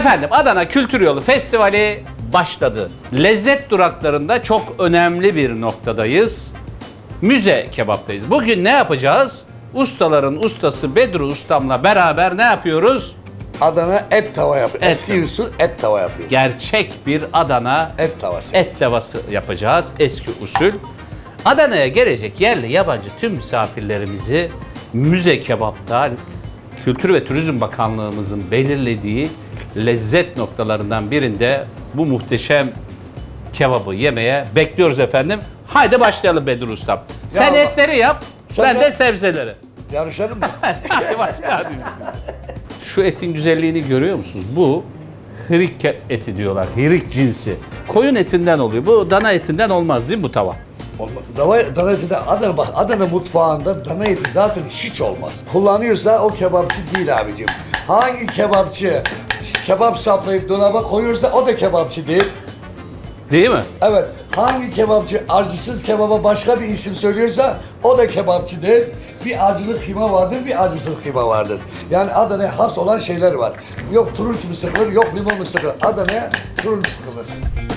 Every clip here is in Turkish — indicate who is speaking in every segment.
Speaker 1: Efendim Adana Kültür Yolu Festivali başladı. Lezzet duraklarında çok önemli bir noktadayız. Müze kebaptayız. Bugün ne yapacağız? Ustaların ustası Bedru Ustam'la beraber ne yapıyoruz?
Speaker 2: Adana et tava yapıyor.
Speaker 1: Et
Speaker 2: Eski
Speaker 1: tava.
Speaker 2: usul et tava yapıyor.
Speaker 1: Gerçek bir Adana
Speaker 2: Et tavası.
Speaker 1: et tavası yapacağız. Eski usul. Adana'ya gelecek yerli yabancı tüm misafirlerimizi Müze Kebap'ta Kültür ve Turizm Bakanlığımızın belirlediği lezzet noktalarından birinde bu muhteşem kebabı yemeye bekliyoruz efendim. Haydi başlayalım Bedru Ustam. Sen
Speaker 2: Allah.
Speaker 1: etleri yap,
Speaker 2: Sen
Speaker 1: ben
Speaker 2: de-
Speaker 1: de sebzeleri.
Speaker 2: Yarışalım mı?
Speaker 1: Hadi başlayalım. Şu etin güzelliğini görüyor musunuz? Bu hirik eti diyorlar. Hirik cinsi. Koyun etinden oluyor. Bu dana etinden olmaz değil mi bu tava?
Speaker 2: Olmaz. Dana eti de Adana, bak Adana mutfağında dana eti zaten hiç olmaz. Kullanıyorsa o kebapçı değil abicim. Hangi kebapçı kebap saplayıp dolaba koyuyorsa o da kebapçı değil.
Speaker 1: Değil mi?
Speaker 2: Evet, hangi kebapçı acısız kebaba başka bir isim söylüyorsa o da kebapçı değil. Bir acılı kıyma vardır, bir acısız kıyma vardır. Yani Adana'ya has olan şeyler var. Yok turunç mu sıkılır, yok limon mu sıkılır. Adana'ya turunç sıkılır.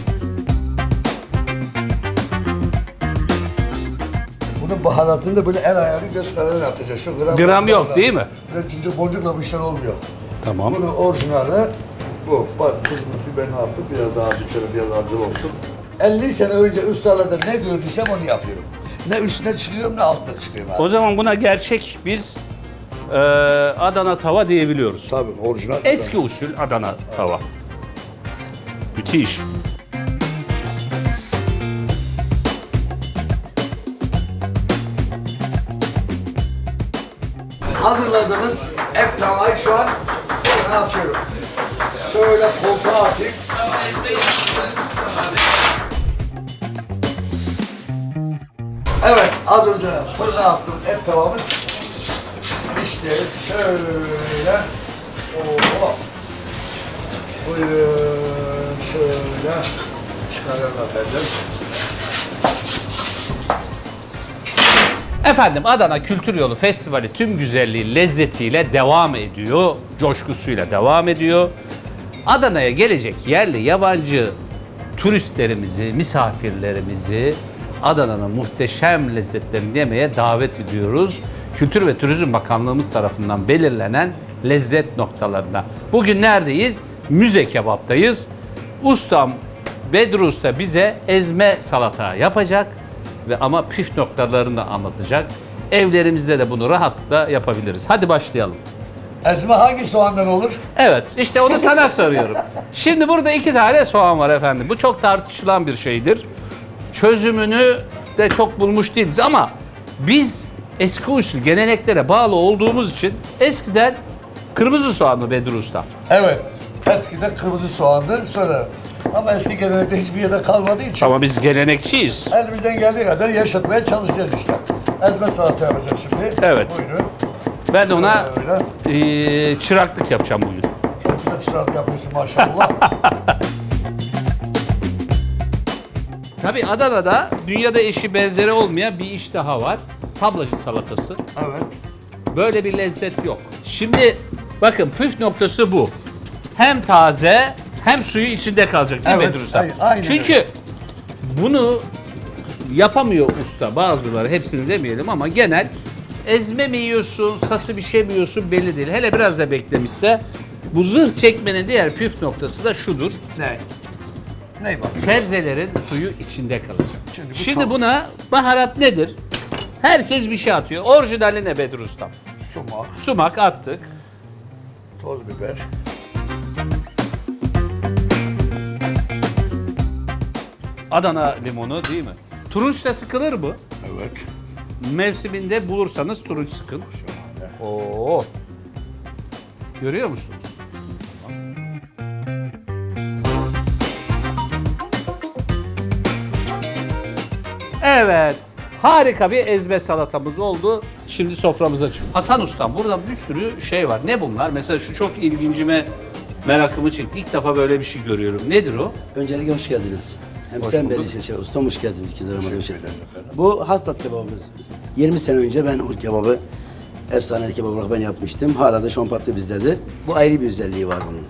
Speaker 2: Bunun baharatını da böyle el ayarı göstererek atacağız. Şu
Speaker 1: Gram yok, değil mi?
Speaker 2: Böyle cincik boncukla bir şey olmuyor.
Speaker 1: Tamam.
Speaker 2: Bunun orijinali bu. Bak kızımız biberini attı. Biraz daha şöyle biraz acılı olsun. 50 sene önce ustalarda ne gördüysem onu yapıyorum. Ne üstüne çıkıyorum ne altına çıkıyorum abi.
Speaker 1: O zaman buna gerçek biz Adana tava diyebiliyoruz.
Speaker 2: Tabii orijinal.
Speaker 1: Eski usul Adana tava. Müthiş.
Speaker 2: Hazırladığımız et tavayı şu an ne yapıyorum? Şöyle koltuğa atayım. Evet, az önce fırına attığım et tavamız pişti. Şöyle. Oo. Buyurun şöyle. Çıkaralım efendim.
Speaker 1: Efendim Adana Kültür Yolu Festivali tüm güzelliği, lezzetiyle devam ediyor. Coşkusuyla devam ediyor. Adana'ya gelecek yerli, yabancı turistlerimizi, misafirlerimizi Adana'nın muhteşem lezzetlerini yemeye davet ediyoruz. Kültür ve Turizm Bakanlığımız tarafından belirlenen lezzet noktalarına. Bugün neredeyiz? Müze Kebap'tayız. Ustam Bedru Usta bize ezme salata yapacak ve ama püf noktalarını anlatacak. Evlerimizde de bunu rahatlıkla yapabiliriz. Hadi başlayalım.
Speaker 2: Ezme hangi soğandan olur?
Speaker 1: Evet, işte onu sana soruyorum. Şimdi burada 2 tane soğan var efendim. Bu çok tartışılan bir şeydir. Çözümünü de çok bulmuş değiliz ama biz eski usul geleneklere bağlı olduğumuz için eskiden kırmızı soğan mı Bedru Usta?
Speaker 2: Evet. Eskiden kırmızı soğandı. Sonra ama eski gelenekte hiçbir yerde kalmadığı için
Speaker 1: Ama biz gelenekçiyiz.
Speaker 2: elimizden geldiği kadar yaşatmaya çalışacağız işte. Ezme salata yapacağız şimdi.
Speaker 1: Evet.
Speaker 2: Buyurun.
Speaker 1: Ben de ona
Speaker 2: Öyle.
Speaker 1: çıraklık yapacağım bugün.
Speaker 2: Çok güzel çırak yapıyorsun maşallah.
Speaker 1: Tabii Adana'da dünyada eşi benzeri olmayan bir iş daha var. Tablacı salatası.
Speaker 2: Evet.
Speaker 1: Böyle bir lezzet yok. Şimdi bakın püf noktası bu. Hem taze hem suyu içinde kalacak değil mi
Speaker 2: Evet,
Speaker 1: Bedru Usta?
Speaker 2: aynen
Speaker 1: Çünkü bunu yapamıyor usta bazıları, hepsini demeyelim ama genel ezme mi yiyorsun, sası bir şey mi yiyorsun belli değil. Hele biraz da beklemişse bu zırh çekmenin diğer püf noktası da şudur.
Speaker 2: Ne? Ne bak?
Speaker 1: Sebzelerin suyu içinde kalacak.
Speaker 2: Çünkü bu
Speaker 1: Şimdi
Speaker 2: tam-
Speaker 1: buna baharat nedir? Herkes bir şey atıyor. Orijinali ne Bedru Ustam?
Speaker 2: Sumak,
Speaker 1: Sumak attık.
Speaker 2: toz biber.
Speaker 1: Adana limonu değil mi? Turunç da sıkılır mı?
Speaker 2: Evet.
Speaker 1: Mevsiminde bulursanız turunç sıkın.
Speaker 2: Şahane.
Speaker 1: Oo. Görüyor musunuz? Evet. Harika bir ezme salatamız oldu. Şimdi soframıza çıkıyor. Hasan Ustam burada bir sürü şey var. Ne bunlar? Mesela şu çok ilgincime merakımı çekti. İlk defa böyle bir şey görüyorum. Nedir o?
Speaker 3: Öncelikle hoş geldiniz. Hem
Speaker 1: Hoş
Speaker 3: sen
Speaker 1: bulduk.
Speaker 3: beni şey, ustam hoş geldiniz ikinci Ramazan hoş geldiniz. Bu hastat kebabımız. 20 sene önce ben bu kebabı efsane kebap olarak ben yapmıştım. Hala da şompatlı bizdedir. Bu ayrı bir özelliği var bunun.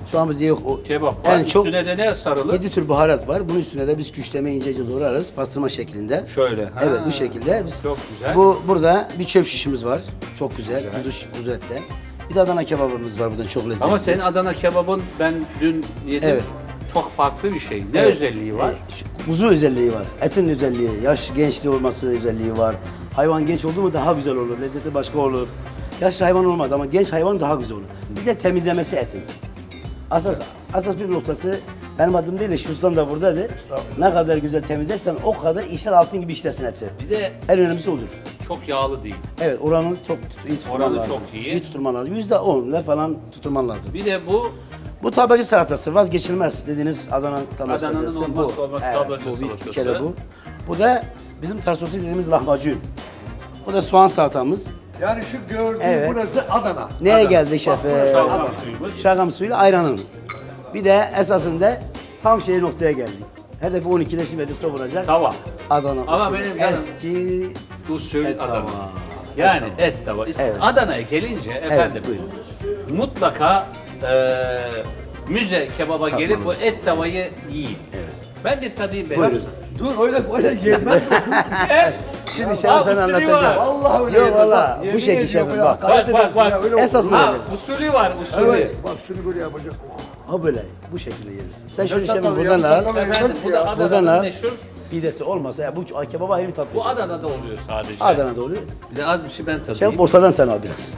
Speaker 3: Şu an bizde yok. O
Speaker 1: Kebap var.
Speaker 3: en çok
Speaker 1: Üstüne de ne sarılır?
Speaker 3: 7 tür baharat var. Bunun üstüne de biz küşleme ince doğrarız. Pastırma şeklinde.
Speaker 1: Şöyle. Ha.
Speaker 3: Evet bu şekilde. Biz,
Speaker 1: Çok güzel.
Speaker 3: Burada bir çöp şişimiz var. Çok güzel. Kuzu etten. Bir de Adana kebabımız var buradan çok lezzetli.
Speaker 1: Ama senin Adana kebabın ben dün yedim.
Speaker 3: Evet.
Speaker 1: Çok farklı bir şey. Ne
Speaker 3: Evet.
Speaker 1: özelliği var?
Speaker 3: Kuzu özelliği var. Etin özelliği, yaş gençliği olması özelliği var. Hayvan genç oldu mu daha güzel olur. Lezzeti başka olur. Yaşlı hayvan olmaz ama genç hayvan daha güzel olur. Bir de temizlemesi etin. Asas bir noktası benim adım değil de şu ustam da buradadır. Ne kadar güzel temizlersen o kadar işler altın gibi işlersin eti.
Speaker 1: Bir de
Speaker 3: En önemlisi odur.
Speaker 1: çok yağlı değil.
Speaker 3: Evet oranı çok iyi tutman
Speaker 1: Oranı
Speaker 3: lazım.
Speaker 1: çok iyi.
Speaker 3: İyi tutman lazım. %10'la falan tutman lazım.
Speaker 1: Bir de bu
Speaker 3: Bu tablacı salatası vazgeçilmez dediğiniz Adana tablacı
Speaker 1: Adana'nın
Speaker 3: salatası.
Speaker 1: olmazsa olmaz tablacı
Speaker 3: bu bir
Speaker 1: salatası.
Speaker 3: kere bu. Bu da bizim tarsosu dediğimiz lahmacun. Bu da soğan salatamız.
Speaker 2: Yani şu gördüğün
Speaker 3: Evet.
Speaker 2: burası Adana.
Speaker 3: Neye
Speaker 2: Adana.
Speaker 3: geldi
Speaker 2: Bak,
Speaker 3: şef?
Speaker 2: burası
Speaker 1: şalgam
Speaker 2: Adana.
Speaker 1: suyumuz.
Speaker 3: Şalgam suyuyla ayranın. Bir de esasında tam noktaya geldik. Hedefi 12'de şimdi Edip'te vuracak.
Speaker 1: tava.
Speaker 3: Adana
Speaker 1: Ama
Speaker 3: usulü.
Speaker 1: benim canım-
Speaker 3: Eski
Speaker 1: Usul
Speaker 3: Et
Speaker 1: Adana.
Speaker 3: tava.
Speaker 1: Yani et tava.
Speaker 3: Evet.
Speaker 1: Adana'ya gelince efendim
Speaker 3: buyurun.
Speaker 1: mutlaka müze kebaba gelip bu et tavayı yiyin.
Speaker 3: Evet.
Speaker 1: Ben bir tadayım ben.
Speaker 3: Buyurun.
Speaker 2: Dur öyle böyle yenmez.
Speaker 3: Şimdi
Speaker 1: Aa,
Speaker 3: şef sana
Speaker 1: usulü
Speaker 3: anlatacağım.
Speaker 1: var.
Speaker 2: Vallahi öyle
Speaker 3: Yok
Speaker 2: yenmez.
Speaker 3: valla
Speaker 2: Bak,
Speaker 3: bu
Speaker 2: yemin
Speaker 3: şekil
Speaker 2: ediyorum
Speaker 3: şefim
Speaker 2: ya.
Speaker 3: bak.
Speaker 2: Karadeniz
Speaker 1: Bak,
Speaker 2: ya, öyle
Speaker 3: esas
Speaker 2: olur.
Speaker 3: böyle.
Speaker 1: Ha, usulü var usulü.
Speaker 2: Evet. Bak şunu böyle yapacak.
Speaker 3: Ha böyle bu şekilde yersin. Sen şöyle
Speaker 2: Çatal
Speaker 3: şefim
Speaker 2: ya,
Speaker 3: buradan al.
Speaker 2: çatal.
Speaker 1: Efendim bu da
Speaker 2: Ya.
Speaker 3: Buradan
Speaker 1: Adana'nın
Speaker 3: al.
Speaker 1: meşhur.
Speaker 3: Pidesi olmasa ya bu kebaba ayrı bir tat
Speaker 1: Bu
Speaker 3: veriyor.
Speaker 1: Adana'da oluyor sadece.
Speaker 3: Adana'da oluyor.
Speaker 1: Bir de az bir şey ben tadayım.
Speaker 3: Şef ortadan sen al biraz.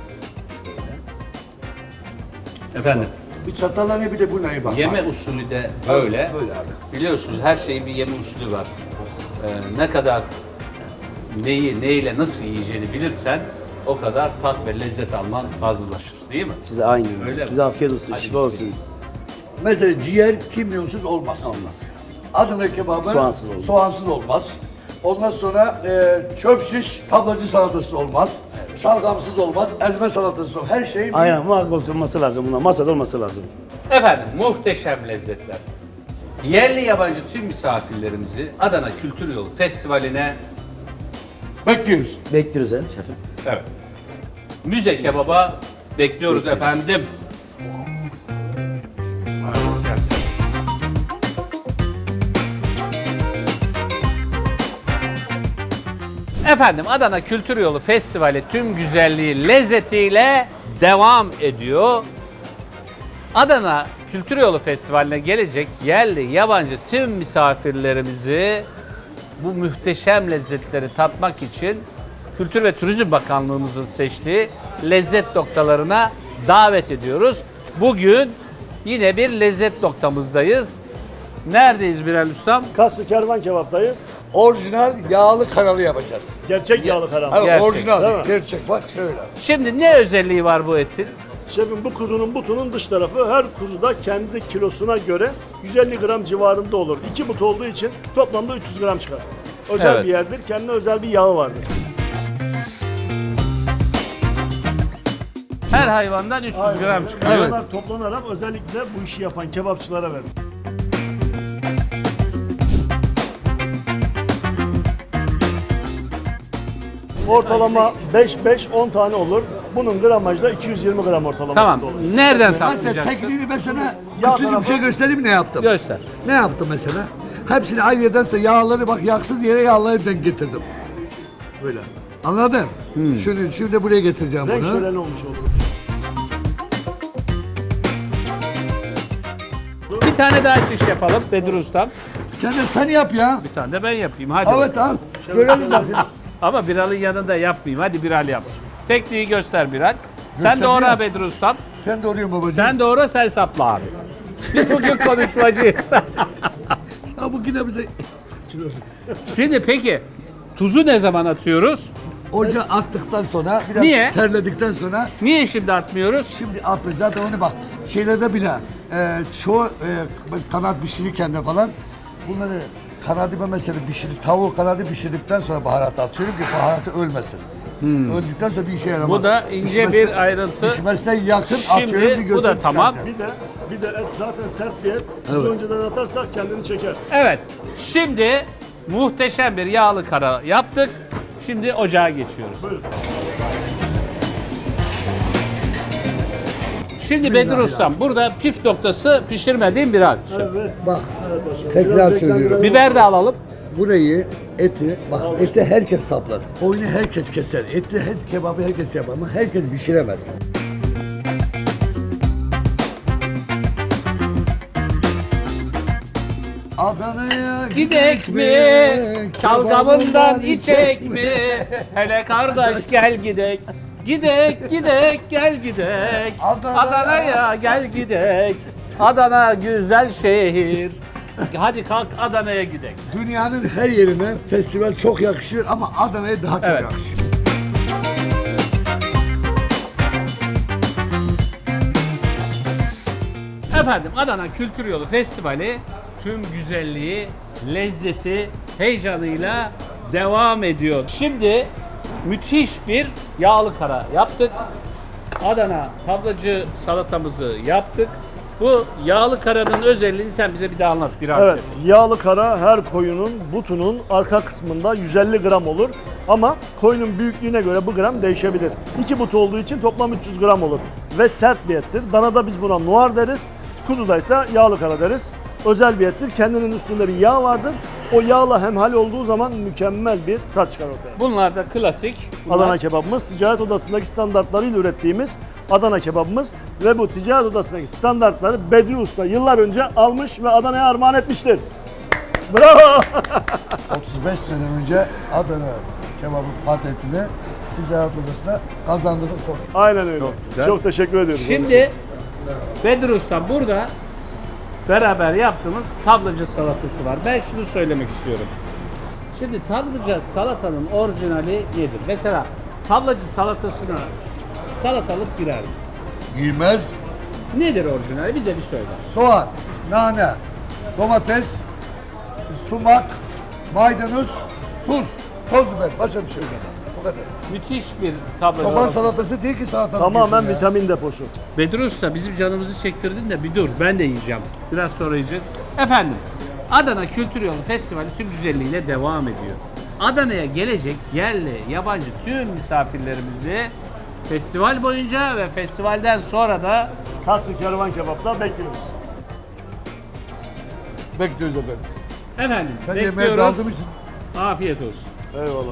Speaker 1: Efendim.
Speaker 2: Bir çatalla ne bir de bu neye bak.
Speaker 1: Yeme usulü de böyle.
Speaker 2: Böyle abi.
Speaker 1: Biliyorsunuz her şeyin bir yeme usulü var. Ne kadar neyi neyle nasıl yiyeceğini bilirsen o kadar tat ve lezzet alman fazlalaşır değil mi?
Speaker 3: Size aynı.
Speaker 1: Öyle
Speaker 3: Size
Speaker 1: mi?
Speaker 3: afiyet olsun,
Speaker 1: Hadi
Speaker 3: şifa olsun.
Speaker 2: Mesela ciğer kimyonsuz olmaz.
Speaker 3: Olmaz.
Speaker 2: Adana kebabı
Speaker 3: Soğansız olmaz.
Speaker 2: soğansız olmaz. Ondan sonra çöp şiş tablacı salatası olmaz. Şalgamsız olmaz. Ezme salatası olmaz. Her şey bir
Speaker 3: Aynen muhakkak olması lazım buna. Masada olması lazım.
Speaker 1: Efendim muhteşem lezzetler. Yerli yabancı tüm misafirlerimizi Adana Kültür Yolu Festivali'ne
Speaker 2: bekliyoruz.
Speaker 3: Bekliyoruz he şefim.
Speaker 1: evet, müze kebaba bekliyoruz efendim. Efendim Adana Kültür Yolu Festivali tüm güzelliği, lezzetiyle devam ediyor. Adana Kültür Yolu Festivali'ne gelecek yerli, yabancı tüm misafirlerimizi bu muhteşem lezzetleri tatmak için Kültür ve Turizm Bakanlığımızın seçtiği lezzet noktalarına davet ediyoruz. Bugün yine bir lezzet noktamızdayız. Neredeyiz Bilal Ustam?
Speaker 4: Kaslı Kervan Kebap'tayız.
Speaker 2: Orijinal yağlı kanalı yapacağız.
Speaker 4: Gerçek yağlı karam.
Speaker 2: Evet,
Speaker 1: Gerçek,
Speaker 2: orijinal.
Speaker 4: değil mi?
Speaker 2: Gerçek bak şöyle.
Speaker 1: Şimdi ne özelliği var bu etin?
Speaker 4: Şefim bu kuzunun butunun dış tarafı her kuzuda kendi kilosuna göre 150 gram civarında olur. 2 but olduğu için toplamda 300 gram çıkar. Özel
Speaker 1: Evet.
Speaker 4: bir yerdir. Kendine özel bir yağı vardır.
Speaker 1: Her hayvandan 300 gram çıkıyor. Evet.
Speaker 4: Bunlar toplanarak özellikle bu işi yapan kebapçılara verilir. Ortalama 5-5-10 tane olur. Bunun gramajı da 220 gram ortalamasında
Speaker 1: Tamam.
Speaker 4: olur.
Speaker 1: Nereden
Speaker 2: Mesela
Speaker 1: saklayacaksın?
Speaker 2: tekniğini mesela
Speaker 4: Yağ
Speaker 2: küçücük bir
Speaker 4: tarafı-
Speaker 2: şey göstereyim ne yaptım.
Speaker 1: Göster.
Speaker 2: Ne yaptım mesela? Hepsini aynı yerdense yağları bak yaksız yere yağları denk getirdim. Böyle. Anladın? Şunu şimdi buraya getireceğim
Speaker 4: Renk
Speaker 2: bunu.
Speaker 4: şöleni olmuş olur.
Speaker 1: Bir tane daha şiş yapalım Bedir Ustam.
Speaker 2: Sen de sen yap ya.
Speaker 1: Bir tane de ben yapayım hadi.
Speaker 2: Evet al. Görelim bak.
Speaker 1: Ama Biral'ın yanında yapmayayım. Hadi Biral yapsın. Tekniği göster Biral. Sen
Speaker 2: Göster
Speaker 1: doğra
Speaker 2: ya.
Speaker 1: Bedir Ustam.
Speaker 2: Sen doğruyum babacığım.
Speaker 1: Sen doğra sen sapla abi. Biz bugün konuşmacıyız.
Speaker 2: Ha bugün de bize
Speaker 1: Şimdi peki tuzu ne zaman atıyoruz?
Speaker 2: ocağa attıktan sonra biraz
Speaker 1: Niye?
Speaker 2: terledikten sonra
Speaker 1: Niye şimdi atmıyoruz?
Speaker 2: şimdi atma zaten onu bak şeylerde bile çoğu kanat pişirirken de falan bunları kanadı ben mesela tavuğu kanadı pişirdikten sonra baharat atıyorum ki baharatı ölmesin. Öldükten sonra bir işe yaramaz.
Speaker 1: Bu da ince bir ayrıntı.
Speaker 2: Pişmesine yakın
Speaker 1: Şimdi
Speaker 2: atıyorum bir
Speaker 1: bu da
Speaker 2: gözünü
Speaker 1: tamam.
Speaker 2: çıkaracağım.
Speaker 4: Bir de et zaten sert bir et. Tuzu
Speaker 2: Evet.
Speaker 4: önceden atarsak kendini çeker.
Speaker 1: Evet. Şimdi muhteşem bir yağlı kara yaptık. Şimdi ocağa geçiyoruz.
Speaker 4: Buyurun.
Speaker 1: Şimdi Bedir Ustam burada püf noktası pişirmediğim bir harç.
Speaker 4: Evet.
Speaker 2: Bak
Speaker 4: Evet hocam.
Speaker 2: tekrar
Speaker 4: Biraz
Speaker 2: söylüyorum.
Speaker 4: reklam
Speaker 1: Biber de alalım.
Speaker 2: Burayı, eti, bak eti herkes saplar. Koyunu herkes keser. Eti, kebabı herkes yapar ama herkes pişiremez. Adana'ya
Speaker 1: Gidek mi? Çalgamından içek mi? Hele kardeş gel gidek. Gidek gidek gel gidek. Adana'ya gel gidek. Adana güzel şehir. Hadi kalk Adana'ya gidek.
Speaker 2: Dünyanın her yerine festival çok yakışır ama Adana'ya daha çok
Speaker 1: Evet.
Speaker 2: yakışır.
Speaker 1: Efendim Adana Kültür Yolu Festivali tüm güzelliği, lezzeti, heyecanıyla devam ediyor. Şimdi müthiş bir yağlı kara yaptık. Adana tablacı salatamızı yaptık. Bu yağlı karanın özelliğini sen bize bir daha anlat. Bir
Speaker 4: Evet, yağlı kara her koyunun butunun arka kısmında 150 gram olur. Ama koyunun büyüklüğüne göre bu gram değişebilir. 2 but olduğu için toplam 300 gram olur. Ve sert bir ettir. Danada biz buna noir deriz. Kuzuda ise yağlı kara deriz. Özel bir ettir. Kendinin üstünde bir yağ vardır. O yağla hemhal olduğu zaman mükemmel bir tat çıkar ortaya.
Speaker 1: Bunlar da klasik. Bunlar-
Speaker 4: Adana kebabımız ticaret odasındaki standartlarıyla ürettiğimiz Adana kebabımız ve bu ticaret odasındaki standartları Bedri Usta yıllar önce almış ve Adana'ya armağan etmiştir. Bravo!
Speaker 2: 35 sene önce Adana kebabı patentini ticaret odasına kazandırdım çok.
Speaker 4: Aynen öyle.
Speaker 1: güzel.
Speaker 4: Çok teşekkür ediyoruz.
Speaker 1: Şimdi Bedir Usta burada beraber yaptığımız tablacı salatası var. Ben şunu söylemek istiyorum. Şimdi tablacı salatanın orijinali nedir? Mesela tablacı salatasına salatalık girer mi?
Speaker 2: Giymez,
Speaker 1: Nedir orijinali? Bize bir söyle.
Speaker 2: soğan, nane, domates, sumak, maydanoz, tuz, toz biber, başka bir şey yok. Bu kadar.
Speaker 1: Müthiş bir tablacı
Speaker 2: Çoban
Speaker 1: salatası.
Speaker 2: salatası değil ki salatalık.
Speaker 4: Tamamen
Speaker 2: yesin ya.
Speaker 4: vitamin deposu.
Speaker 1: Bedir Usta bizim canımızı çektirdin de bir dur, ben de yiyeceğim. Biraz sonra yiyeceğiz. Efendim Adana Kültür Yolu Festivali tüm güzelliğiyle devam ediyor. Adana'ya gelecek yerli, yabancı tüm misafirlerimizi festival boyunca ve festivalden sonra da
Speaker 4: Kasrı Kervan Kebap'ta bekliyoruz.
Speaker 2: Bekliyoruz efendim.
Speaker 1: efendim
Speaker 2: Ben yemeğe
Speaker 1: bekliyoruz.
Speaker 2: daldığım için.
Speaker 1: Afiyet olsun.
Speaker 4: Eyvallah.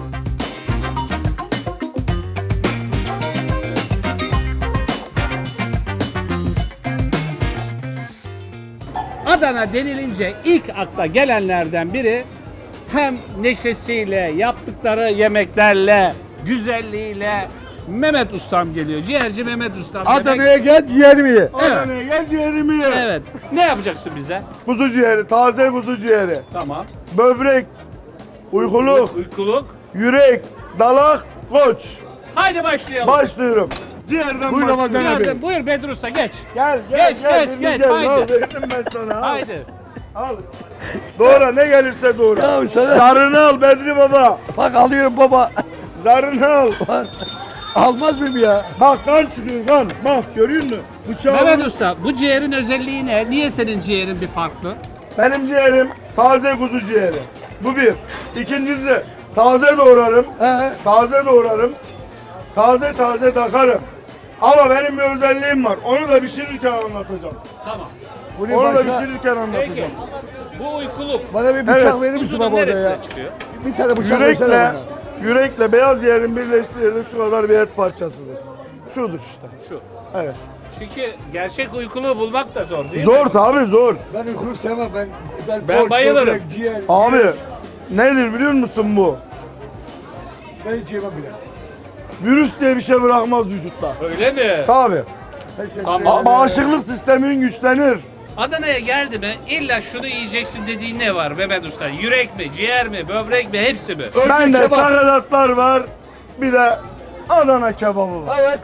Speaker 1: Adana denilince ilk akla gelenlerden biri hem neşesiyle, yaptıkları yemeklerle, güzelliğiyle Mehmet Ustam geliyor. Ciğerci Mehmet Ustam.
Speaker 2: Adana'ya gel ciğerimi ye.
Speaker 4: Adana'ya gel ciğerimi ye.
Speaker 1: Evet. Ne yapacaksın bize?
Speaker 4: Kuzu ciğeri, taze kuzu ciğeri.
Speaker 1: Tamam.
Speaker 4: Böbrek, uykuluk,
Speaker 1: Uykuluk.
Speaker 4: yürek, dalak, koç.
Speaker 1: Haydi başlayalım.
Speaker 4: Başlıyorum. Ciğerden
Speaker 2: Buyur
Speaker 4: başlıyorum.
Speaker 2: Ramazan abi.
Speaker 1: Buyur, buyur Bedir Usta geç.
Speaker 4: Gel,
Speaker 1: Geç, geç,
Speaker 4: Deniz
Speaker 1: geç,
Speaker 4: gel.
Speaker 1: haydi.
Speaker 4: Al, verdim ben sana. Al.
Speaker 1: Haydi.
Speaker 4: Al. Doğra, ne gelirse doğra.
Speaker 2: Ya sana
Speaker 4: Zarını al Bedri Baba.
Speaker 2: bak alıyorum baba.
Speaker 4: Zarını al.
Speaker 2: Almaz mıyım ya?
Speaker 4: Bak kan çıkıyor kan. Bak görüyor musun? Bıçağı
Speaker 1: Mehmet Usta bu ciğerin özelliği ne? Niye senin ciğerin bir farklı?
Speaker 4: Benim ciğerim taze kuzu ciğeri. Bu bir. İkincisi taze doğrarım. Taze doğrarım. Taze taze takarım. Ama benim bir özelliğim var. Onu da pişirirken anlatacağım.
Speaker 1: Tamam.
Speaker 2: Bunu
Speaker 4: Onu da
Speaker 2: başka,
Speaker 4: pişirirken
Speaker 1: Peki.
Speaker 4: anlatacağım.
Speaker 1: Bu uykuluk.
Speaker 2: bana bir bıçak
Speaker 4: Evet.
Speaker 2: verir misin
Speaker 1: Kuzunun
Speaker 2: baba orada
Speaker 1: neresine
Speaker 2: ya?
Speaker 1: çıkıyor?
Speaker 2: Bir tane bıçak versene
Speaker 4: Yürekle,
Speaker 2: bana.
Speaker 4: yürekle beyaz ciğerin birleştirildiği şu kadar bir et parçasıdır. Şudur işte.
Speaker 1: Şu.
Speaker 4: Evet.
Speaker 1: Çünkü gerçek uykuluğu bulmak da zor değil mi?
Speaker 4: Zor tabii zor.
Speaker 2: Ben uykulu sevmem
Speaker 1: Ben
Speaker 2: koç,
Speaker 1: bayılırım.
Speaker 2: böbrek, ciğer.
Speaker 4: Abi nedir biliyor musun bu?
Speaker 2: Ben hiç yemem bile.
Speaker 4: Virüs diye bir şey bırakmaz vücutta.
Speaker 1: Öyle mi?
Speaker 4: Tabii.
Speaker 2: Teşekkür
Speaker 1: Tamam.
Speaker 2: ederim.
Speaker 4: Bağışıklık sistemin güçlenir.
Speaker 1: Adana'ya geldi mi illa şunu yiyeceksin dediğin ne var Mehmet Usta? Yürek mi, ciğer mi, böbrek mi, hepsi mi?
Speaker 4: Bende
Speaker 2: kebap.
Speaker 4: sakatatlar var. Bir de Adana kebabı var.
Speaker 2: Evet.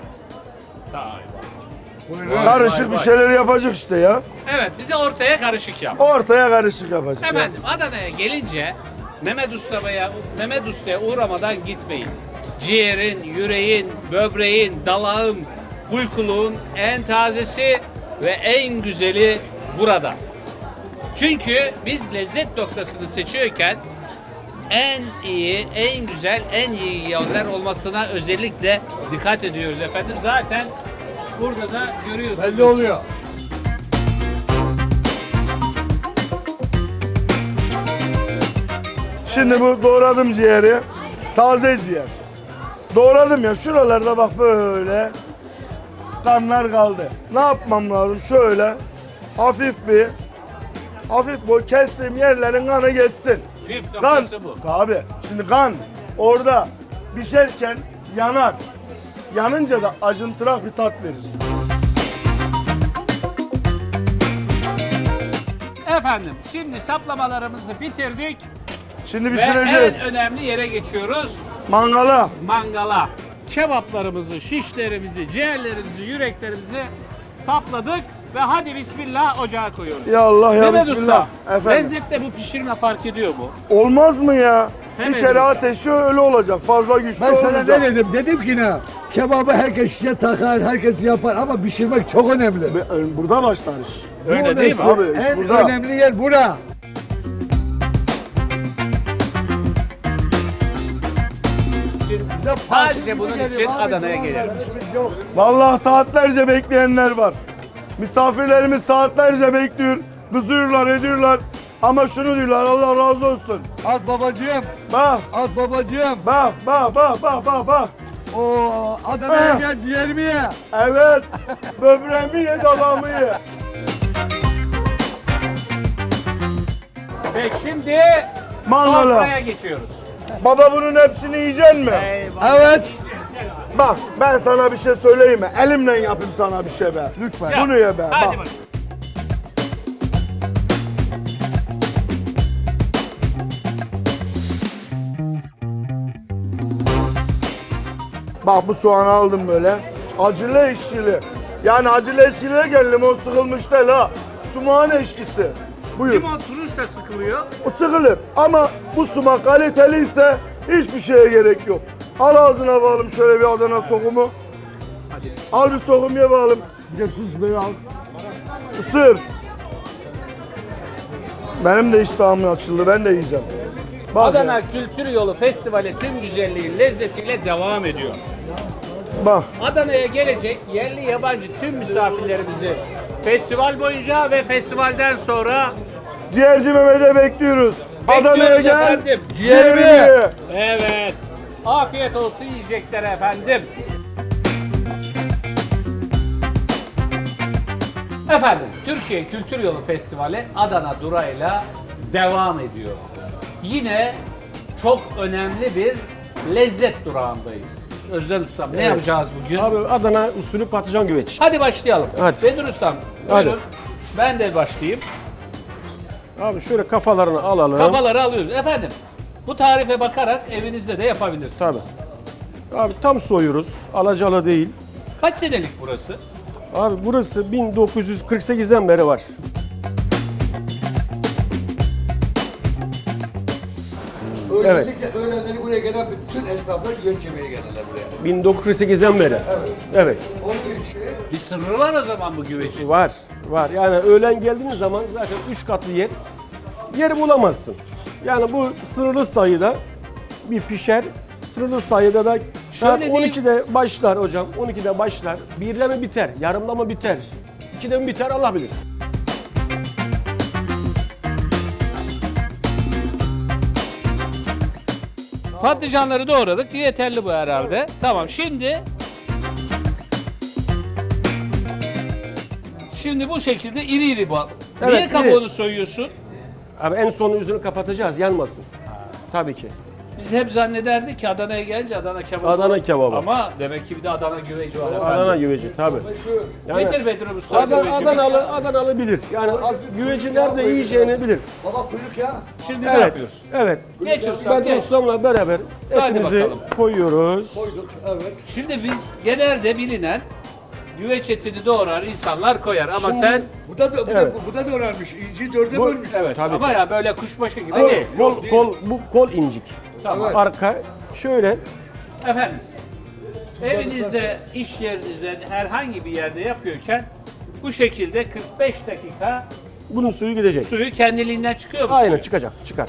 Speaker 4: Karışık bir şeyler yapacak işte ya.
Speaker 1: Evet, bize ortaya karışık yap.
Speaker 4: Ortaya karışık yapacak. ya.
Speaker 1: Efendim Adana'ya gelince Mehmet Usta'ya uğramadan gitmeyin. Ciğerin, yüreğin, böbreğin, dalağın, uykuluğun en tazesi ve en güzeli burada. Çünkü biz lezzet noktasını seçiyorken en iyi, en güzel, en iyi yönler olmasına özellikle dikkat ediyoruz efendim. Zaten burada da görüyorsunuz.
Speaker 2: Belli oluyor.
Speaker 4: Şimdi bu doğradım ciğeri. Taze ciğer. Doğradım ya, şuralarda bak böyle kanlar kaldı. Ne yapmam lazım? Şöyle hafif bu kestiğim yerlerin kanı geçsin.
Speaker 1: Püf
Speaker 4: Kan,
Speaker 1: noktası bu.
Speaker 4: tabii. Şimdi kan orada pişerken yanar. Yanınca da acıntırak bir tat verir.
Speaker 1: Efendim şimdi saplamalarımızı bitirdik
Speaker 4: Şimdi
Speaker 1: ve
Speaker 4: pişireceğiz.
Speaker 1: en önemli yere geçiyoruz.
Speaker 4: Mangala.
Speaker 1: Mangala. Kebaplarımızı, şişlerimizi, ciğerlerimizi, yüreklerimizi sapladık ve hadi bismillah ocağa koyuyoruz.
Speaker 4: Ya Allah ya
Speaker 1: Mehmet
Speaker 4: Bismillah.
Speaker 1: Usta,
Speaker 4: Efendim.
Speaker 1: lezzette bu pişirme fark ediyor mu?
Speaker 4: Olmaz mı ya?
Speaker 1: Hemen
Speaker 4: Bir kere
Speaker 1: öyle.
Speaker 4: ateşi öyle olacak. Fazla güçlü
Speaker 2: Ben sana
Speaker 4: olmayacak.
Speaker 2: ne dedim? Dedim ki ne? Kebabı herkes şişe takar, herkes yapar ama pişirmek çok önemli.
Speaker 4: Burada başlar iş.
Speaker 1: Öyle değil mi?
Speaker 4: Tabii, iş
Speaker 2: En
Speaker 4: burada.
Speaker 2: önemli yer bura.
Speaker 1: Sadece bunun için Adana'ya gelelim.
Speaker 4: Vallahi saatlerce bekleyenler var. Misafirlerimiz saatlerce bekliyor. Kızıyorlar, ediyorlar. Ama şunu diyorlar, Allah razı olsun.
Speaker 2: At babacığım,
Speaker 4: Bak,
Speaker 2: at babacığım.
Speaker 4: bak.
Speaker 2: Oo, Adana'ya
Speaker 4: Ah.
Speaker 2: gel ciğerimi ye.
Speaker 4: Evet, böbreğimi ye, dalağımı ye.
Speaker 1: Peki şimdi
Speaker 4: Mangala.
Speaker 1: sofraya geçiyoruz.
Speaker 4: Baba bunun hepsini yiyecek mi?
Speaker 1: Eyvallah.
Speaker 2: Evet.
Speaker 4: Bak, ben sana bir şey söyleyeyim mi? Elimle yapayım sana bir şey be.
Speaker 2: Lütfen.
Speaker 4: Bunu ye be.
Speaker 1: Hadi
Speaker 4: Bak.
Speaker 1: bakalım.
Speaker 4: Bak bu soğanı aldım böyle. Acılı ekşili. Yani acılı ekşiliye gel, limon sıkılmış değil ha. Sumağın eşkisi. Buyur.
Speaker 1: Limon turuş da sıkılıyor.
Speaker 4: O sıkılır ama bu sumak kaliteliyse hiçbir şeye gerek yok. Al ağzına bağlım şöyle bir Adana sokumu. Al bir sokum ye bağlım.
Speaker 2: Bir de tuz böyle al.
Speaker 4: Isır. Benim de iştahım açıldı, ben de yiyeceğim. Bak
Speaker 1: Adana
Speaker 4: ya,
Speaker 1: Kültür Yolu Festivali tüm güzelliği, lezzetiyle devam ediyor.
Speaker 4: bak.
Speaker 1: Adana'ya gelecek yerli yabancı tüm misafirlerimizi festival boyunca ve festivalden sonra
Speaker 4: Ciğerci Mehmet'e bekliyoruz. Adana'ya gel.
Speaker 1: efendim.
Speaker 4: Ciğerimi ye.
Speaker 1: Evet. Afiyet olsun yiyecekler efendim. Efendim, Türkiye Kültür Yolu Festivali Adana durağıyla devam ediyor. Yine çok önemli bir lezzet durağındayız. Özden Ustam ne yapacağız bugün?
Speaker 5: Abi Adana usulü patlıcan güveç.
Speaker 1: Hadi başlayalım.
Speaker 5: Hadi.
Speaker 1: Bedir Ustam,
Speaker 5: Hadi.
Speaker 1: buyurun. Ben de başlayayım.
Speaker 5: Abi şöyle kafalarını alalım.
Speaker 1: Kafaları alıyoruz. Efendim, bu tarife bakarak evinizde de yapabilirsiniz.
Speaker 5: Tabii. Abi tam soyuyoruz. Alacalı değil.
Speaker 1: Kaç senelik burası?
Speaker 5: Abi burası 1948'den beri var.
Speaker 2: Özellikle öğlenleri buraya gelen bütün esnaflar güveç yemeye gelirler buraya.
Speaker 5: 1948'den beri. Evet.
Speaker 2: Onun için
Speaker 1: Bir sırrı var o zaman bu güvecin.
Speaker 5: Var. Var. Yani öğlen geldiğiniz zaman zaten 3 katlı yer bulamazsın. Yani bu sınırlı sayıda bir pişer. Sınırlı sayıda da saat
Speaker 1: Şöyle diyeyim.
Speaker 5: 12'de başlar hocam. 12'de başlar. 1'de mi biter? Yarımda mı biter? 2'de mi biter? Allah bilir.
Speaker 1: Patlıcanları doğradık. Yeterli bu herhalde. Tamam şimdi bu şekilde iri iri bu.
Speaker 5: Evet,
Speaker 1: Niye
Speaker 5: iri.
Speaker 1: kabuğunu soyuyorsun?
Speaker 5: Abi en son yüzünü kapatacağız, yanmasın. Tabii ki.
Speaker 1: Biz hep zannederdik ki Adana'ya gelince Adana kebabı.
Speaker 5: Adana kebabı.
Speaker 1: Ama demek ki bir de Adana güveci var efendim.
Speaker 5: Adana güveci tabii. Yani
Speaker 1: Getir Bedri Usta güveci.
Speaker 5: Adanalı bilir. Yani güveci nerede yiyeceğini bilir.
Speaker 2: baba kuyruk ya.
Speaker 1: Şimdi ne
Speaker 5: Evet.
Speaker 1: yapıyoruz?
Speaker 5: Evet.
Speaker 1: Geç Usta
Speaker 5: Ben
Speaker 1: geç.
Speaker 5: ustamla beraber
Speaker 1: Hadi
Speaker 5: etimizi
Speaker 1: bakalım.
Speaker 5: koyuyoruz.
Speaker 2: Koyduk evet.
Speaker 1: Şimdi biz genelde bilinen güveç etini doğrar insanlar koyar ama
Speaker 5: Şimdi-
Speaker 1: sen
Speaker 2: Bu da önemli. İnci dörde bölmüş.
Speaker 1: evet
Speaker 5: Tabii
Speaker 1: ama ya böyle kuşbaşı gibi
Speaker 5: Kol,
Speaker 1: değil.
Speaker 5: bu kol incik.
Speaker 1: Tamam.
Speaker 5: Arka şöyle
Speaker 1: Efendim, evinizde, iş yerinizde, herhangi bir yerde yapıyorken bu şekilde 45 dakika
Speaker 5: bunun suyu gidecek.
Speaker 1: suyu kendiliğinden çıkıyor mu?
Speaker 5: Aynen
Speaker 1: suyu?
Speaker 5: çıkacak, çıkar.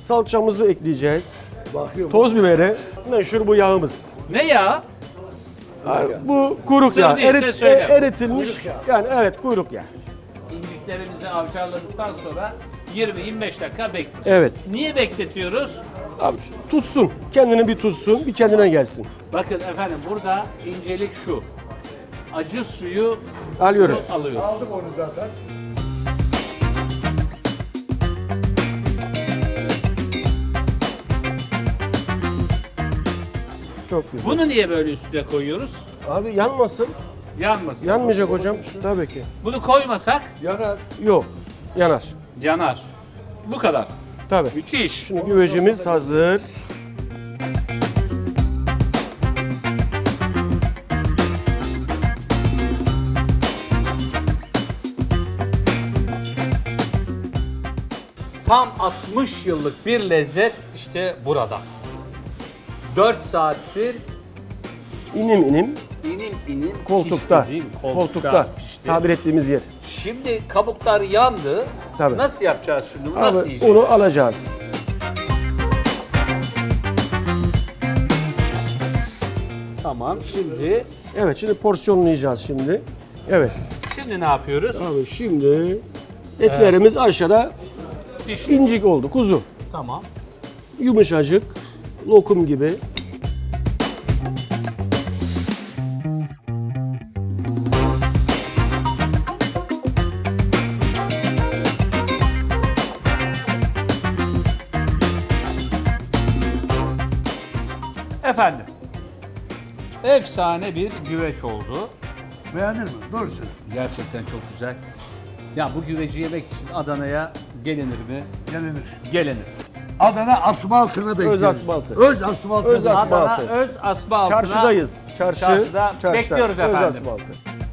Speaker 5: Salçamızı ekleyeceğiz.
Speaker 2: Bakıyorum.
Speaker 5: Toz biberi, meşhur bu yağımız.
Speaker 1: Ne ya?
Speaker 5: Bu kuyruk
Speaker 1: Sır
Speaker 5: yağı.
Speaker 1: değilse söyle.
Speaker 5: Eritilmiş. Yani evet kuyruk yağı.
Speaker 1: İnciklerimizi avcarladıktan sonra 20-25 dakika bekliyoruz.
Speaker 5: Evet.
Speaker 1: Niye bekletiyoruz?
Speaker 5: Abi tutsun. Kendini bir tutsun. Bir kendine gelsin.
Speaker 1: Bakın efendim burada incelik şu. Acı suyu
Speaker 5: Alıyoruz.
Speaker 1: alıyoruz.
Speaker 2: Aldım onu zaten.
Speaker 5: Çok güzel.
Speaker 1: Bunu niye böyle üstüne koyuyoruz?
Speaker 5: Abi yanmasın.
Speaker 1: Yanmasın.
Speaker 5: Yanmayacak hocam. Tabii ki.
Speaker 1: Bunu koymasak
Speaker 2: Yanar.
Speaker 5: Yok. Yanar.
Speaker 1: yanar. Bu kadar.
Speaker 5: Tabii.
Speaker 1: Müthiş.
Speaker 5: Şimdi güvecimiz hazır.
Speaker 1: Tam 60 yıllık bir lezzet işte burada. 4 saattir
Speaker 5: İnim inim
Speaker 1: inim
Speaker 5: koltukta.
Speaker 1: pişti, değil mi?
Speaker 5: Koltukta.
Speaker 1: pişti.
Speaker 5: Tabir ettiğimiz yer.
Speaker 1: Şimdi kabuklar yandı.
Speaker 5: Tabii.
Speaker 1: Nasıl yapacağız şimdi? Bunu nasıl
Speaker 5: Abi
Speaker 1: yiyeceğiz?
Speaker 5: onu alacağız.
Speaker 1: Tamam. Şimdi
Speaker 5: Evet şimdi porsiyonlayacağız şimdi. Evet.
Speaker 1: şimdi ne yapıyoruz?
Speaker 5: Abi şimdi etlerimiz aşağıda
Speaker 1: Pişti.
Speaker 5: incik oldu. Kuzu.
Speaker 1: Tamam.
Speaker 5: Yumuşacık. Lokum gibi.
Speaker 1: Efendim. Efsane bir güveç oldu.
Speaker 2: Beğendin mi? Doğru söyle.
Speaker 1: Gerçekten çok güzel. Ya bu güveci yemek için Adana'ya gelinir mi?
Speaker 2: Gelinir.
Speaker 1: Gelinir.
Speaker 2: Adana asfaltına bekliyoruz.
Speaker 5: asfaltı.
Speaker 2: Öz asfaltına
Speaker 5: Öz
Speaker 2: bekliyoruz.
Speaker 5: asfaltı.
Speaker 1: Adana öz asma altına.
Speaker 5: Çarşıdayız.
Speaker 1: Çarşıda bekliyoruz
Speaker 5: Öz
Speaker 1: efendim.
Speaker 5: asfaltı.